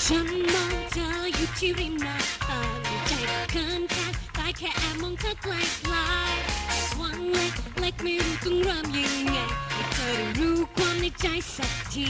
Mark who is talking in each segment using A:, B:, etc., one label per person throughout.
A: ฉันมองเธออยู่ที่ริมหน้าต่างใจเขินแค่ตายแค่แอบมองเธอไกลๆวันเล็กเล็กไม่รู้ต้องเริ่มยังไงให้เธอได้รู้ความในใจสักที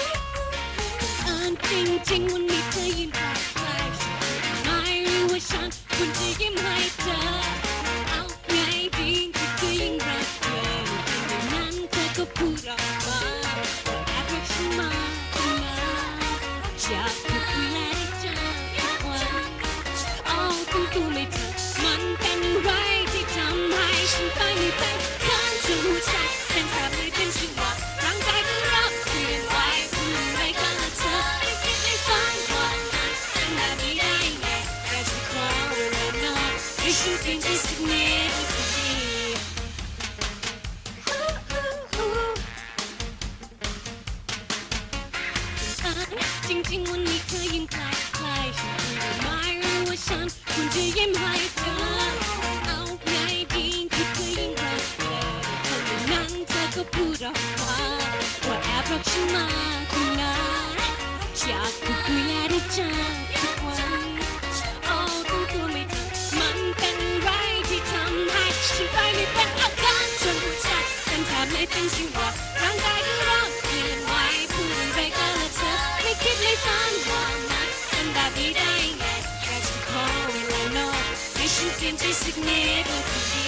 A: จริงวันนี้เธอยิ้มแปลกๆฉันไม่รู้ว่าฉันควรจะยิ้มให้เธอเอาไงดีคือยิ่งรักเธออย่างนั้นเธอก็พูดออกมาแอบรักฉันมาตั้งนานอยากพูดคุยและได้เจอทุกวันเอาตั้งตัวไม่ทันมันเป็นไรที่ทำให้ฉันไปไม่เป็นข้างจนหัวใจเป็นแทบไม่เป็นจังหวะร่างกายก็ร้องเปลี่ยนไหวพูดอะไรกันละเธอไม่คิดไม่ฝันวันนั้นเป็นแบบนี้ได้ไงแค่จะขอเวลานอนให้ฉันเปลี่ยนใจสักนิดก็ดีจริงวันนี้เธอยิ้มใกล้ๆฉันไม่รู้ว่าฉันควรจะยิ้มให้เธอเอาไงดีคือเธอยิ่งรักเธอคนนั้นเธอก็พูดออกมาว่าแอบรักฉันมาตั้งนานอยากพูดคุยและได้เจอทุกวันเอาตั้งตัวไม่ทันมันเป็นไรที่ทำให้ฉันไปไม่เป็นอาการจนหัวใจเป็นแทบไม่เป็นชีวะร่างกายก็ร้องเปลี่ยนไหวพูดอะไรกันละเธอไม่คิดไม่ฝันว่ามันเป็นแบบนี้ได้ไงแค่จะขอเวลานอนให้ฉันเปลี่ยนใจสักนิดก็ดี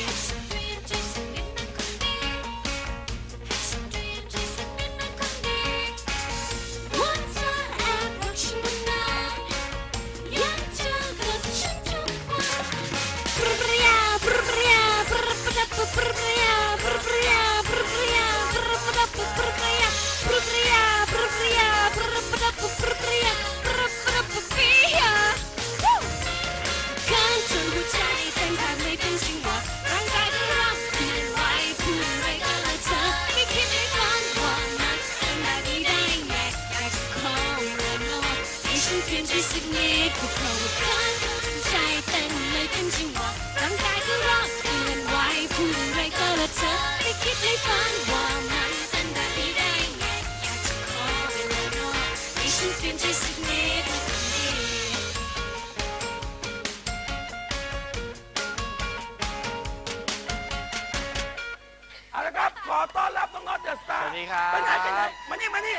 B: เอาละครับขอต้อนรับน้องน็อตเดอะสตาร์
C: สวัสดีครับ
B: ไปไหนมานี่ไหน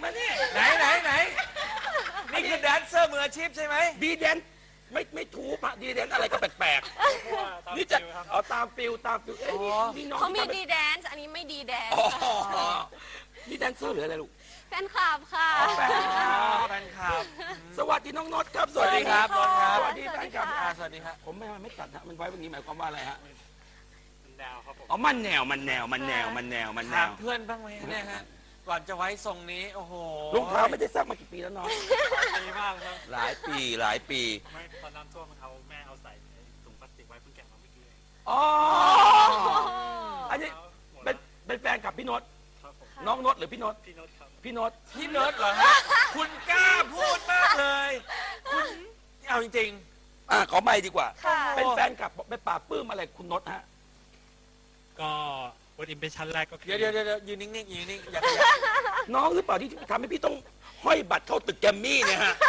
C: นี่คือแดนเซอร์มืออาชีพใช่ไหม
B: ดีแดนไม่ถูกอะดีแดนอะไรก็แปลกๆนี่จะเอาตามฟิลเอ้ยนี่น้อง
D: เขามีดีแดนซ์อันนี้ไม่ดีแดนซ์
B: อ๋อนี่แดนเซอร์หรืออะไรลูก
D: แฟนคลับค่ะ
B: แฟนคลับ
C: แฟนคลับ
B: สวัสดีน้องน็อตครับ
C: สวัสดีครับน็อตครับ
B: สวัสดีแฟนคลับ
C: สวัสดีครับ
B: ผมไม่ตัดฮะมันไว้แบบนี้หมายความว่าอะไรฮะ
E: แนวครับผม
B: อ๋อมันแนว
C: ถามเพื่อนบ้างไหมเนี่ยฮะ ก่อนจะไว้ทรงนี้ โอ้โห
B: รองเท้าไม่ได้ซักมากี่ปีแล้วน้อง
E: ดีมากครับ
B: หลายปี
E: ไม่ตอนน้ำท่วมแม่เอาใส่ถุงพลาสติกไว้เพิ่งแกะมาเมื่อกี้เอง
B: อ๋ออันนี้เป็นแฟนกับพี่โนต
E: ครับผม
B: น้องโนตหรือพี่โนต
E: พี่โน้ตครับ
B: พี่โนต
C: พี่เนิร์ดเหรอฮะ คุณกล้าพูดมากเลย คุณเอาจริง
B: ขอไม่ดีกว่า
D: ค่ะ
B: เป็นแฟนกับไปปราบปลื้มอะไรคุณโนตฮะ
E: ก็วันอิมเพรสชั่นแรกก็
C: ๆ
E: คือ
C: เดี๋ยวยืนนิ่งๆยืนนิ่งๆอย่า
B: น้องหรือเปล่าที่ทำให้พี่ต้องห้อยบัตรเข้าตึกแกรมมี่เนี่ยฮะ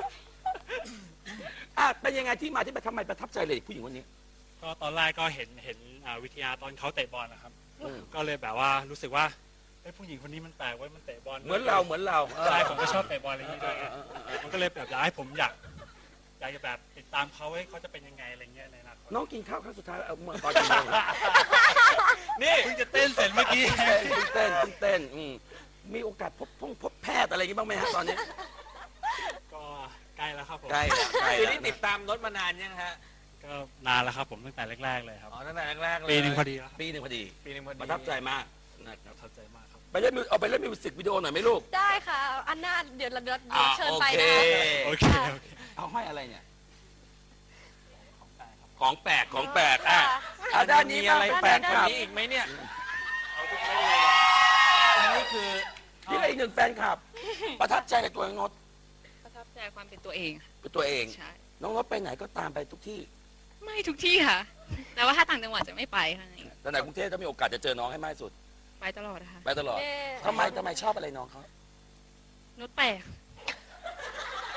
B: เป็นยังไงที่มาที่ไปทำไมประทับใจเลยผู้หญิงคนนี้
E: ก็ตอนแรกก็เห็นวิทยาตอนเขาเตะบอลนะครับ
B: อืม
E: ก็เลยแบบว่ารู้สึกว่าผู้หญิงคนนี้มันแปลกไว้มันเตะบอล
B: เหมือนเรา
E: ใช่ผมก็ชอบเตะบอลอะไรอย่างนี้ด้วยมันก็เลยแบบอยากให้ผมอยากจะแบบติดตามเขาเขาจะเป็นยังไงอะไรเงี้ยในอนาคต
B: น้องกินข้าวครั้งสุดท้ายเอาเมื่อตอนกี่โมง
E: นี่เพิ่งจะเต้นเสร็จเมื่อกี้
B: เต้นมีโอกาสพบแพทย์อะไรอย่างนี้บ้างไหมฮะตอนนี้
E: ก็ใกล้แล้วครับผม
B: ใกล้
C: คือนี่ติดตามรถมานานยังฮะ
E: ก็นานแล้วครับผมตั้งแต่แรกๆเลยครับ
C: อ๋อตั้งแต่แรกๆเลย
E: ปีหนึ่งพอดีแล้วครับ
B: ปีหนึ่งพอดี
C: ปีหนึ่งพอดี
B: ประทับใจมากนะครับ
E: ประทับใจมากครับ
B: ไปเล่นมิวสิกวิดีโอหน่อยไหมลูก
D: ได้ค่ะ อันหน้าเดี๋ยวเชิญ
B: โอ
D: ไป
B: เค
D: นะคะ
E: โอเค
B: เอาห้อยอะไรเนี่ย
E: ของแปลกครับ
B: ของแปลก
D: ค่ะ
B: ด้านนี้
C: มีอะไร
B: บ้าง
C: แปลก
B: ฟน
C: ก
B: ค
C: ว่า
B: ลับ
C: นี้อีกไหมเนี่ย
E: เอาทุกเรื่องเลย
C: อันนี้คือ
B: นี่ก็อีกหนึ่งแฟนคลับ ประทับใจในตัวน้องโนต
F: ประทับใจความเป็นตัวเองค่ะ
B: เป็นตัวเอง
F: ใช่
B: น้องโนตไปไหนก็ตามไปทุกที่
F: ไม่ทุกที่ค่ะ แต่ว่าถ้าต่างจังหวัดจะไม่ไปค่ะ
B: แต่ในกรุงเทพถ้ามีโอกาสจะเจอน้องให้มากที่สุด
F: ไปตลอดนะคะ
B: ไปตลอด
D: เย้
B: ทำไมชอบอะไรน้องเขา
F: นุชแปลก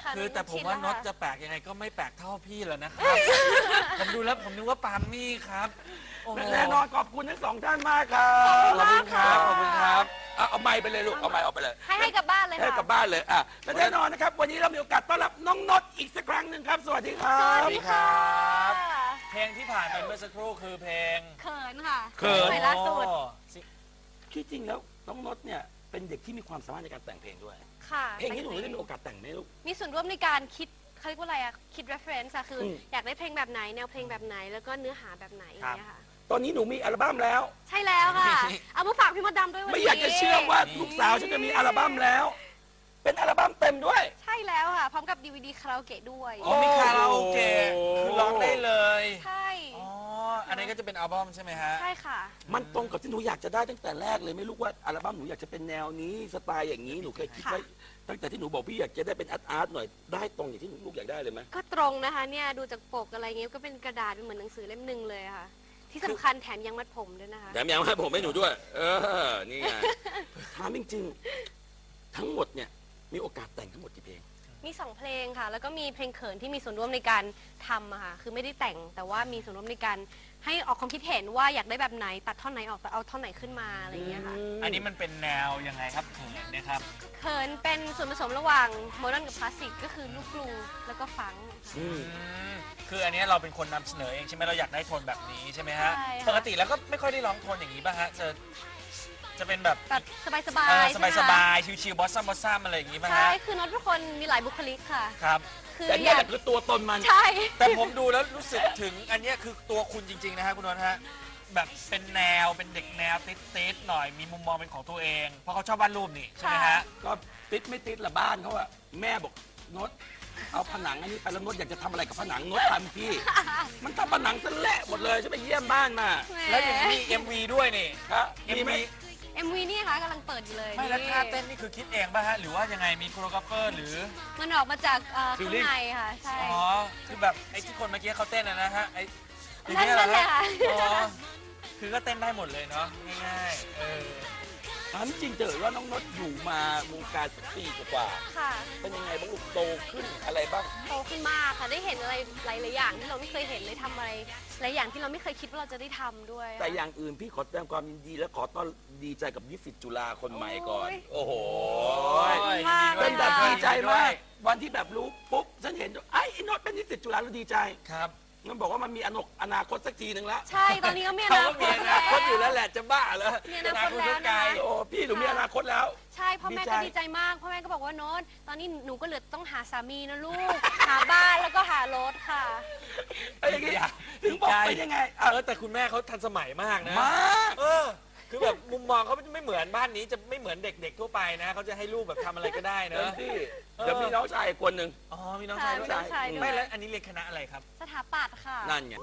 D: ค่ะ
C: คือแต่ผมว่า
D: ชิ
C: น็อต
D: แล้ว
C: จะ
D: ค่ะ
C: แปลกยังไงก็ไม่แปลกเท่าพี่แล้วนะครับ ผมดูแล้วผมนึกว่าปาล์มมี่ครับโอ้โห
B: และแน่นอนขอบคุณทั้งสองท่านมากครับ
C: ขอบคุณครับขอบคุณครับ
B: เอาไม้ไปเลยลูกเอาไม้ออกไปเลย
D: ให้กลับบ้านเลย
B: ให้
D: ค่ะ
B: กลับบ้านเลยและแน่นอนนะครับ วันนี้เรามีโอกาสต้อนรับน้องนดอีกสักครั้งหนึ่งครับ สวัสดีครั
D: สวั
B: บ
D: สดีค่ะ
C: เพลงที่ผ่านไปเมื่อสักครู่คือเพลง
D: เขินค่ะ
B: เขิน
D: ใหม่ล่าสุด
C: โอ้สิ
B: ที่จริงแล้วน้องนดเนี่ยเป็นเด็กที่มีความสามารถในการแต่งเพลงด้วย
D: ค่ะ
B: เพลงนี้หนูได้มีโอกาสแต่งไหมลูก
D: มีส่วนร่วมในการคิดเขาเรียกว่าอะไรอะคิด reference อะคืออ
B: ม
D: อยากได้เพลงแบบไหน แนวเพลงแบบไหน แล้วก็เนื้อหาแบบไหนอย่างเงี้ยค่ะ
B: ตอนนี้หนูมีอัลบั้มแล้ว
D: ใช่แล้วค่ะ เอามาฝากพี่มดดำด้วยวัน
B: ไม่
D: นี้
B: อยากจะเชื่อว่าลูกสาวฉันจะมีอัลบั้มแล้ว เป็นอัลบั้มเต็มด้วย
D: ใช่แล้วค่ะ พร้อมกับ DVD คาราโอเกะด้วย
C: อ๋อมีคาราโอเกะคือร้องได้เลย
D: ใช่
C: อ๋ออันนี้ก็จะเป็นอัลบั้มใช่ไหมฮะ
D: ใช่ค่ะ
B: มันตรงกับที่หนูอยากจะได้ตั้งแต่แรกเลยไม่รู้ว่าอัลบั้มหนูอยากจะเป็นแนวนี้สไตล์อย่างนี้หนูเคยคิดไว้ตั้งแต่ที่หนูบอกพี่อยากจะได้เป็นอาร์ตหน่อยได้ตรงอย่างที่หนูลูกอยากได้เลยไหม
D: ก็ตรงนะคะเนี่ยดูจากปกอะไรเงี้ยก็เป็นกระดาษเป็นเหมือนหนังสือเล่มหนึ่งเลยค่ะ ที่สำคัญแถมยังมัดผมด้วยนะคะ
B: แถมยังให้ผมให้หนูด้วย นี่ไง ถามจริงๆ ทั้งหมดเนี่ยมีโอกาสแต่งทั้งหมดกี่เพลง
D: มี 2 เพลงค่ะ แล้วก็มีเพลงเขินที่มีส่วนร่วมในการทำอะค่ะ คือไม่ได้แต่งแต่ว่ามีส่วนร่วมในการให้ออกความคิดเห็นว่าอยากได้แบบไหนตัดท่อนไหนออกเอาท่อนไหนขึ้นมาอะไรอย่างเงี้ยค่ะ
C: อันนี้มันเป็นแนวยังไงครับเขินเนะครับ
D: เขินเป็นส่วนผสมระหว่างโมเดิร์นกับคลาสสิกก็คือลูกกรูแล้วก็ฟังก์ค่ะ
B: อืม
C: คืออันนี้เราเป็นคนนำเสนอเองใช่ไหมเราอยากได้โทนแบบนี้ใช่ไหมฮะ
D: ใช่ค่ะ
C: ปกติแล้วก็ไม่ค่อยได้ร้องโทนอย่างนี้ป่ะฮะจะเป็นแบบ
D: แบบสบายๆ
C: ส
D: ใช่
C: บา
D: ไห
C: ย
D: ม
C: สบาย
D: คะ
C: สบายชิวๆบอสซัมอะไรอย่างนี้ป่ะ
D: ใช่
C: ฮะ
D: คือโน้ตทุกคนมีหลายบุคลิกค่ะ
C: ครับ
D: คือ
B: แต่
D: อ
B: เนี่ย
D: ยาก
B: แหละคือตัวตนมัน
D: ใช่
C: แต่ผมดูแล้วรู้สึกถึงอันเนี้ยคือตัวคุณจริงๆนะฮะคุณนนท์ฮะแบบเป็นแนวเป็นเด็กแนวติดๆหน่อยมีมุมมองเป็นของตัวเอง เพราะเขาชอบวาดรูปนี่ใช่ไหมฮะ
B: ก็ติดไม่ติดละบ้านเขาอะแม่บอกนดเอาผนังอันนี้ไปแล้วนดอยากจะทำอะไรกับผนังนดทำพี่ มันทำผนังซะแหละหมดเลยฉันไปเยี่ยมบ้านมา
C: แล้วอย่างนี้มี MV ด้วยนี่
B: ครับมีไหม
D: MV นี่ค่ะกำลังเปิดอยู่เลย
C: ไม่แล้วท่าเต้นนี่คือคิดเองป่ะฮะหรือว่ายังไงมีโคโรกราฟเฟอร์หรือ
D: มันออกมาจากข้าง
C: Feeling
D: ในค่ะ ใช่
C: อ๋อคือแบบไอ้ที่คนเมื่อกี้เขาเต้นนะฮะไอ้อย่าง
D: นั่น
C: เงี้ยเหรอ
D: เลย
C: ฮะ
D: ค่ะ
C: อ๋อคือก็เต้นได้หมดเลยเนาะง่ายๆ
B: ถามจริงเจอว่าน้องนดอยู่มาวงการปีกว่า
D: ค่ะ
B: เป็นยังไงบ้างลูกโตขึ้นอะไรบ้าง
D: โตขึ้นมากค่ะได้เห็นอะไรหลายๆอย่างที่เราไม่เคยเห็นเลยทำอะไรหลายอย่างที่เราไม่เคยคิดว่าเราจะได้ทำด้วย
B: แต่อย่างอื่นพี่ขอแสดงความยินดีและขอต้อนดีใจกับนิสิตจุฬาคนใหม่ก่อน
D: โอ้ย
B: โอ้โห
D: มาก
B: เป็นแบบ
D: ค่ะ
B: ดีใจมาก วันที่แบบรู้ปุ๊บฉันเห็นไอ้โนดเป็นนิสิตจุฬาแล้วดีใจ
C: ครับ
B: มันบอกว่ามันมีอนาคตสักทีหนึ่งแล้ว
D: ใช่ ตอนนี้ก็มีอ
C: เขา
D: นา
C: ก็
D: ค
C: มี
D: ต
C: อนาคตอยู่แล้วแหละจะบ้าเหรอ
D: มีอนาคตแล้วนะคะ
B: โอ้พี่หนูมีอนาคตแล้ว
D: ใช่พ่อแม่
B: ดีใจ
D: ก็ดีใจมากพ่อแม่ก็บอกว่าโน้ตตอนนี้หนูก็เหลือต้องหาสามีนะลูก หาบ้านแล้วก็หารถค่ะ
B: ไอ้อย่างงี้ถึงบอกเป็นยังไง
C: แต่คุณแม่เขาทันสมัยมากนะ
B: มาก
C: คือแบบมุมมองเขาไม่เหมือนบ้านนี้จะไม่เหมือนเด็กๆทั่วไปนะเขาจะให้ลูกแบบทำอะไรก็ได้เน
B: เต็ม
C: อะ
B: ที่เดี๋ยวมีน้องชายอีกคนหนึ่ง
C: อ๋อมีน้องชายด้วย
D: ค่ะมีน้องชายด้วย
C: ไม่แล้วอันนี้เรียนคณะอะไรครับ
D: สถาปัตย์ค่ะ
B: นั่นไง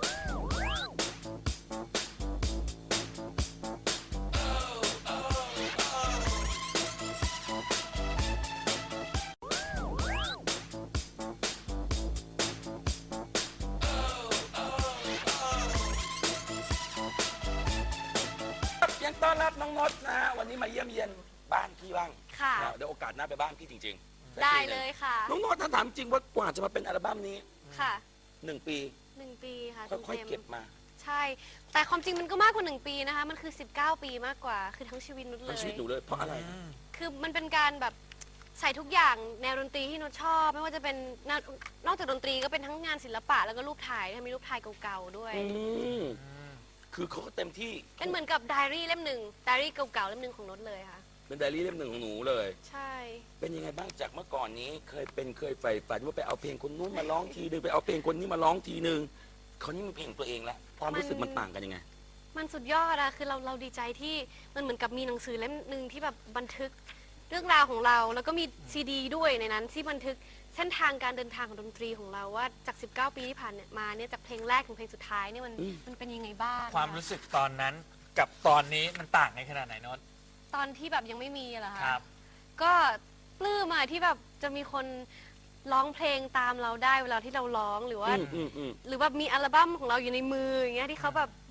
B: ยังต้อนรับน้องนดนะฮะวันนี้มาเยี่ยมเยียนบ้านพี่บ้าง
D: ค่ะ
B: เดี๋ยวโอกาสหน้าไปบ้านพี่จริงๆ
D: ได้เลยค่ะ
B: น้องนดถ้าถามจริงว่ากว่าจะมาเป็นอัลบั้มนี้
D: ค่ะ
B: 1 ปี
D: 1 ปีค่ะ
B: ค่อยๆ
D: ต็มๆ
B: เก็บมา
D: ใช่ แต่ความจริงมันก็มากกว่า 1 ปีนะคะ มันคือ 19 ปีมากกว่า คือทั้งชีวิตนุชเล
B: ทั้ง
D: ย
B: ชีวิตหนูเลยเพราะอะไร
D: คือมันเป็นการแบบใส่ทุกอย่างแนวดนตรีที่นุชชอบ ไม่ว่าจะเป็นนอกจากดนตรีก็เป็นทั้งงานศิลปะแล้วก็รูปถ่ายมีรูปถ่ายเก่าๆด้วย
B: อืมคือเขาก็เต็มที่
D: เป็นเหมือนกับไดอารี่เล่มหนึ่งไดอารี่เก่าๆเล่มหนึ่งของนุชเลยค่ะ
B: เป็นไดอารี่เล่มหนึ่งของหนูเลย
D: ใช่
B: เป็นยังไงบ้างจากเมื่อก่อนนี้เคยใฝ่ฝันว่าไปเอาเพลงคนนู้นมาร้องทีนึงไปเอาเพลงคนนี้มาร้องทีนึงเขานี่มีเพลงตัวเองแล้วความรู้สึกมันต่างกันยังไง
D: มันสุดยอดอะคือเราดีใจที่มันเหมือนกับมีหนังสือเล่มหนึ่งที่แบบบันทึกเรื่องราวของเรา แล้วก็มีซีดีด้วยในนั้นที่บันทึกเส้นทางการเดินทางของดนตรีของเราว่าจาก 19 ปีที่ผ่านมาเนี่ยจากเพลงแรกถึงเพลงสุดท้ายเนี่ยมันเป็นยังไงบ้าง
C: ความรู้สึกตอนนั้นกับตอนนี้มันต่างกันขนาดไหนโนน
D: ตอนที่แบบยังไม่มีอะเหรอคะ
C: ครับ
D: ก็ปลื้มอะที่แบบจะมีคนร้องเพลงตามเราได้เวลาที่เราร้องหรือว่า
B: อืม
D: หรือแบบมีอัลบั้มของเราอยู่ในมืออย่างเงี้ยที่เขาแบบจ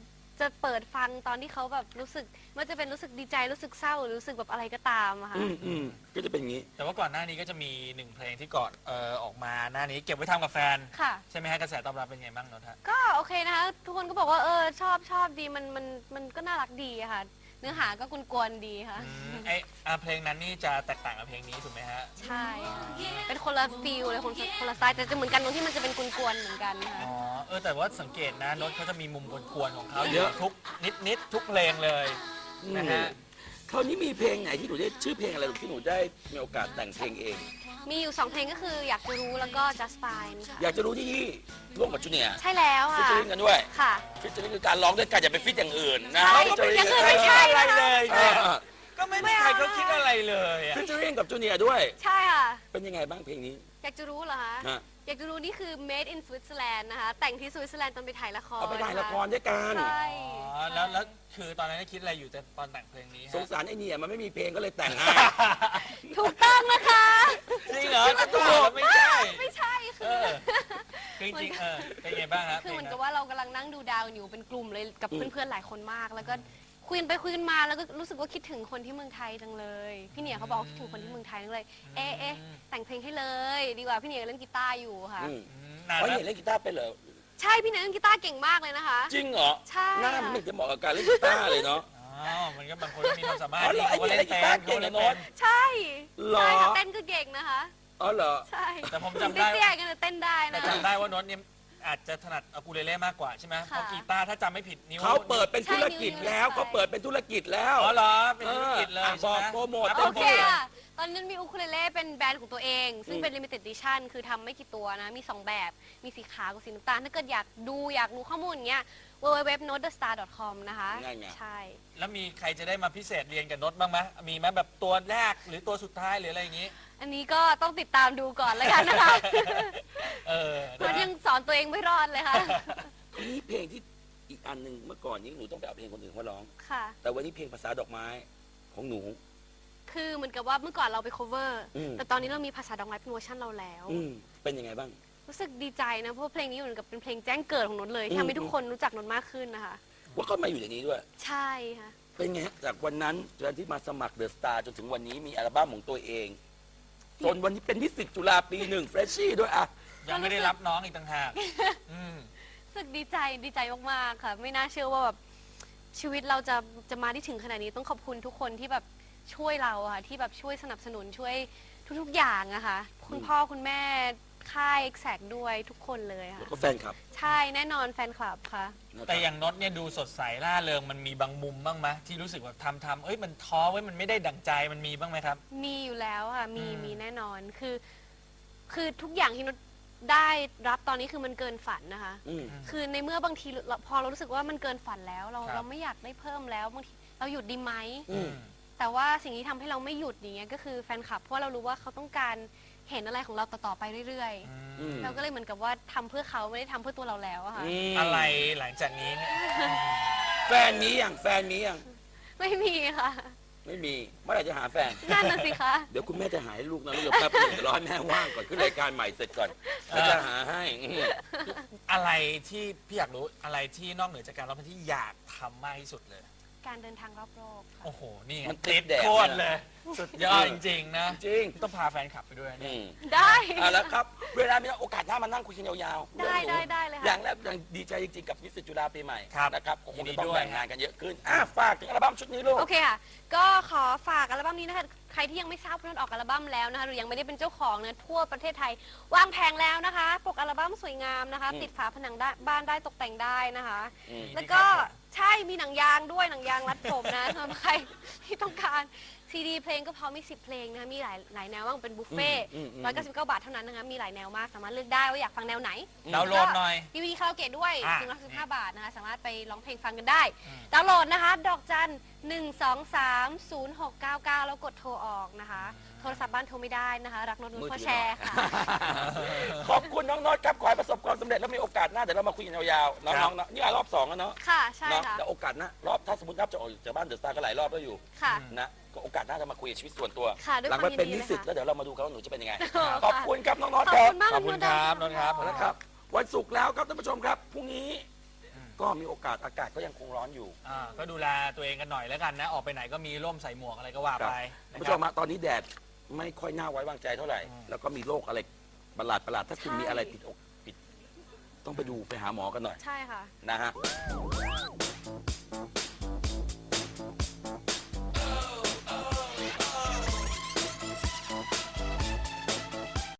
D: จะเปิดฟังตอนที่เขาแบบรู้สึกว่าจะเป็นรู้สึกดีใจรู้สึกเศร้าหรือรู้สึกแบบอะไรก็ตามอะค่ะ
B: ก็จะเป็นอย่างนี้
C: แต่ว่าก่อนหน้านี้ก็จะมีหนึ่งเพลงที่ก่อนออกมาหน้านี้เก็บไว้ทำกับแฟน
D: ค่ะ
C: ใช่ไหมฮะกระแสตอบรับเป็นไงบ้างนนท์ฮะ
D: ก็โอเคนะคะทุกคนก็บอกว่าชอบดีมันก็น่ารักดีอะค่ะ เนื้อหาก็กวนๆดีค่ะ
C: เพลงนั้นนี่จะแตกต่างกับเพลงนี้ถูกไหมฮะ
D: ใช่ค่ะเป็นคนละฟีลเลยคนละสไตล์แต่จะเหมือนกันตรงที่มันจะเป็นกวนๆเหมือนกันค่ะ
C: อ๋อแต่ว่าสังเกตนะนนท์เขาจะมีมุมกวนๆของเขา
B: เยอะ
C: ทุกนิดทุกเพลงเลยนะฮะ
B: คราวนี้มีเพลงไหนที่หนูได้ชื่อเพลงอะไรลูกที่หนูได้มีโอกาสแต่งเพลงเอง
D: มีอยู่2เพลงก็คืออยากจะรู้แล้วก็ just fine ค่ะ
B: อยากจะรู้ที่ร่วมกับจูเนียร์
D: ใช่แล้ว
B: ฟิช
D: ค่ะ
B: เชอริงกันด้วย
D: ค่ะ
B: ฟิชเชอริงคือการร้องด้วยกันอย่าไปฟิชอย่างอื่นนะ
D: ใช่
B: featuring
D: อย่างอื่นไม่ใช่
C: อะไรเลย
B: เออ
C: ก็ไม่มีใครเขาคิดอะไรเลยอะ
B: ฟิชเชอริงกับจูเนียร์ด้วย
D: ใช่ค่ะ
B: เป็นยังไงบ้างเพลงนี้
D: อยากจะรู้เหรอคะ
B: ฮะ
D: อยากจะรู้นี่คือ made in Switzerland นะคะ แต่งที่สวิตเซอร์แลนด์ตอนไปถ่ายละคร
B: เอาไปถ่ายละครด้วยกัน
D: ใช่
C: อ๋อแล้วคือตอนนั้นคิดอะไรอยู่แต่ตอนแต่งเพลงนี้
B: ส
C: ฮะ
B: งสารไอ้เนี่ยมันไม่มีเพลงก็เลยแต่งให้
D: ถูกต้องนะคะ
C: จริงเหรอก็ถูกไม่ใช่
D: ไม่ใช่
C: เอ
D: คือ
C: อจริงๆเป็นไงบ้างฮะ
D: คือเหมือน
C: เพล
D: กับ
C: ง
D: ว่าเรากำลังนั่งดูดาวอยู่เป็นกลุ่มเลยกับ
B: อืม
D: เพื่อนๆหลายคนมาก แล้วก็คุยกันไปคุยกันมาแล้วก็รู้สึกว่าคิดถึงคนที่เมืองไทยจังเลย พี่เนี่ยเขาบอกว่าคิดถึงคนที่เมืองไทยจังเลย เอ๊ะแต่งเพลงให้เลย ดีกว่าพี่เนี่ยเล่นกีตาร์อยู่ค่ะ
B: อืม
C: นาน
B: เขา
C: แล้ว
B: เห็นเล่นกีตาร์เป็นเหรอ
D: ใช่พี่เนี่ยเล่นกีตาร์เก่งมากเลยนะคะ
B: จริงเหรอ
D: ใช่
B: หน้ามันไม่จะเหมาะกับการเล่นกีตาร์เลยเนาะ
C: อ๋อมันก็บางคนก็มีความสามารถ
B: อ๋อเหรอ
C: เขาก็เล่น
B: ไอ้เนี่ยเล่นกีตาร์เก่ง
C: เขา
B: เหรอ
C: เล่น
B: โน้
C: เป็
B: ต
C: น
D: ใช่
B: หรอ
D: ใช่ค่ะเต้นก็เก่งนะคะ
B: อ๋อเหรอ
D: ใช่
C: แต่ผม
D: ถึง
C: จำได้
D: เตี้ยๆกันแต่เต้นได้
C: แต่
D: นะ
C: จำได้ว่าโน้ตเนี่ยอาจจะถนัดอะคูเลเล่มากกว่าใช่ไหมเพ
D: ค่ะ
C: ราะกีตาร์ถ้าจำไม่ผิดนิ้ว
B: เขาเปิดเป็นธุรกิจแล้ว
D: ใช่
B: เขาเปิดเป็นธุรกิจแล้ว
C: อ๋อเหรอเป็นธุรกิจเลย
B: บ
C: ใช่
B: อก
C: ไหม
B: โปรโมท
C: อ่ะ
B: ต็
D: โอ
B: ม
D: เค
B: ที่
D: ค่ะ ตอนนั้นมีอูคูเลเล่เป็นแบรนด์ของตัวเอง ซึ่ง
B: อืม
D: เป็น limited edition คือทำไม่กี่ตัวนะ มี 2 แบบ มีสีขาวกับสีน้ำตาล ถ้าเกิดอยากรู้ข้อมูลอย่างเงี้ย www.notethestar.com นะคะ
B: ง่ายไง
D: ใช่
C: แล้วมีใครจะได้มาพิเศษเรียนกับโน้ตบ้างไหมมีไหมแบบตัวแรกหรือตัวสุดท้ายหรืออะไรอย่างงี้
D: อันนี้ก็ต้องติดตามดูก่อนแล้วกันนะคะ
C: เออ
D: เพราะยังสอนตัวเองไม่รอดเลยค่ะ
B: ทีนี้เพลงที่อีกอันหนึ่งเมื่อก่อนนี้หนูต้องไปเอาเพลงคนอื่นมาร้อง
D: ค่ะ
B: แต่วันนี้เพลงภาษาดอกไม้ของหนู
D: คือเหมือนกับว่าเมื่อก่อนเราไป cover
B: อืม
D: แต่ตอนนี้เรามีภาษาดอกไม้เป็นเวอร์ชันเราแล้ว
B: เป็นยังไงบ้าง
D: รู้สึกดีใจนะ เพราะว่าเพลงนี้เหมือนกับเป็นเพลงแจ้งเกิดของนนท์เลยที่
B: อืม
D: ทำให้ทุกคนรู้จักนนท์มากขึ้นนะคะ
B: ว่าเขามาอยู่ในนี้ด้วย
D: ใช่ค่ะ
B: เป็นไงฮะจากวันนั้นจนที่มาสมัครเดอะสตาร์จนถึงวันนี้มีอัลบั้มของตัวเอง จนวันนี้เป็นนิสิตจุฬาปี1เฟรชชี่ด้วยอ่ะ
C: ยังไม่ได้รับน้องอีกต่างหากอืม
D: รู้สึกดีใจมากๆค่ะ ไม่น่าเชื่อว่าแบบชีวิตเราจะมาที่ถึงขนาดนี้ต้องขอบคุณทุกคนที่แบบช่วยเราอะค่ะที่แบบช่วยสนับสนุนช่วยทุกๆอย่างอะค่ะคุณพ่อคุณแม่ค่ายแซกด้วยทุกคนเลย
B: แล้ว
D: ค่ะ
B: ก็แฟนคลับ
D: ใช่แน่นอนแฟนคลับค่ะ
B: นะครับ
C: แต่อย่างโน้ตเนี่ยดูสดใสร่าเริงมันมีบางมุมบ้างไหมที่รู้สึกว่าทำเอ้ยมันท้อไว้ยมันไม่ได้ดั่งใจมันมีบ้างไหมครับ
D: มีอยู่แล้วค่ะมี
C: อืม
D: มีแน่นอนคือทุกอย่างที่นดได้รับตอนนี้คือมันเกินฝันนะคะ
B: อืม
D: คือในเมื่อบางทีพอเรารู้สึกว่ามันเกินฝันแล้วเราไม่อยากได้เพิ่มแล้วบางทีเราหยุดดีไหม
B: อืม
D: แต่ว่าสิ่งที่ทำให้เราไม่หยุดอย่างเงี้ยก็คือแฟนคลับเพราะว่าเรารู้ว่าเขาต้องการเห็นอะไรของเราต่อๆไปเรื่อย
B: อืม
D: ๆ เราก็เลยเหมือนกับว่าทำเพื่อเขาไม่ได้ทำเพื่อตัวเราแล้วอะค่ะ
B: ม
C: อะไรหลังจากนี้เนี่ย
B: แฟนมีอย่างแฟนมีอย่าง
D: ไม่มีค่ะ
B: ไม่มีเมื่อไหร่จะหาแฟน
D: นั่นน่ะสิคะ
B: เดี๋ยวคุณแม่จะหาให้ลูกนะลูกเดี๋ยวแป๊บนึงเดี๋ยวรอให้แม่ว่างก่อนขึ้นรายการใหม่เสร็จก่อนแล้วจะหาให้อืม
C: อะไรที่พี่อยากรู้อะไรที่นอกเหนือจากการร้องเพลงที่อยากทำมากที่สุดเลย
D: การเดินทางรอบโลกค่ะ
C: โอ้โห นี่ไง
B: มันติดแดด
C: โคตรเลย สุดยอดจริงๆนะ
B: จริง
C: ต้องพาแฟนคลับไปด้วย
B: อื
C: เนี่ย
B: ม
D: ได้
B: เอาละครับ เวลามีโอกาสหน้ามานั่งคุยกันยาวๆ
D: ได้
B: เรื่องหนู
D: ได้เลย
B: อ
D: ค่ะ
B: ย่างแรกอย่างดีใจจริงๆกับนิสิตจุฬาปีใหม่
C: ครับ
B: นะครับก็คงจะต้อง
C: ยินดีด้วย
B: แบ่งงานกันเยอะขึ้นฝากถึงอัลบั้มชุดนี้ลูก
D: โอเคค่ะ ก็ขอฝากอัลบั้มนี้นะคะ ใครที่ยังไม่ทราบว่านนท์ออกอัลบั้มแล้วนะคะหรือยังไม่ได้เป็นเจ้าของเนี่ยทั่วประเทศไทยวางแผงแล้วนะคะปกอัลบั้มสวยงามนะคะ
B: อืม
D: ติดฝาผนังได้บ้านได้ตกแต่งได้นะคะ
B: อืม
D: แล้วก็ใช่มีหนังยางด้วยหนังยางรัดผมนะ สำหรับใครที่ต้องการซีดีเพลงก็พอมี10เพลงนะคะมีหลายแนวว่างเป็นบุฟเฟ่ต์
B: อืมอืม
D: 199 บาทเท่านั้นนะคะมีหลายแนวมากสามารถเลือกได้ว่าอยากฟังแนวไหน
C: ดาวน์โหลดหน่อย
D: ดีวีดีคาราโอเกะด้วย
C: อ่ะ
D: 115 บาทนะคะสามารถไปร้องเพลงฟังกันได้ ดาวน์โหลดนะคะ ดอกจัน 1230699 แล้วกดโทรออกนะคะ โทรศัพท์บ้านโทรไม่ได้นะคะ รักนนท์พ่อแชร์ค่ะ
B: ขอบคุณน้องโน็อตครับขอให้ประสบความสำเร็จแล้วมีโอกาสหน้าเดี๋ยวเรามาคุยกันยาวๆน้องๆนะนี่รอบ2แล้วเนาะ
D: ค่ะ ใช่
B: เนาะ
D: ค่ะ
B: แต่โอกาสหน้ารอบถ้าสมมตินับจะออกจากบ้านเดอะสตาร์ก็หลายรอบแล้วอยู่
D: ค่ะ
B: นะก็โอกาสหน้าจะมาคุยชีวิตส่วนตัว
D: ค่ะด้วย
B: หลัง
D: ความ
B: ไปเป็น
D: ยิ
B: นิ
D: นดี
B: สิต
D: เลยค่ะ
B: แล้วเดี๋ยวเรามาดูกันว่าหนูจะเป็นยังไง
D: ค่ะ
B: ขอบคุณครับน้องโน็อต
D: ขอบ
B: ครับ
D: คุณมาก
C: ขอบคุณครับนนท์ครับ
B: นะครับวันศุกร์แล้วครับท่านผู้ชมครับพรุ่งนี้ก็มีโอกาสอากาศก็ยังคงร้อนอยู่
C: ก็ดูแลตัวเองกันหน่อยแล้วกันนะ ออกไปไหนก็มีร่มใส่หมวกอะไรก็ว่า
B: ครับ
C: ไป
B: คุณผู้ชมฮะตอนนี้แดดไม่ค่อยน่าไว้วางใจเท่าไหร่ แล้วก็มีโรคอะไรประหลาดถ้าคุณมีอะไรติดอกติดต้องไปดูไปหาหมอกันหน่อย
D: ใช่ค่ะ
B: นะฮะ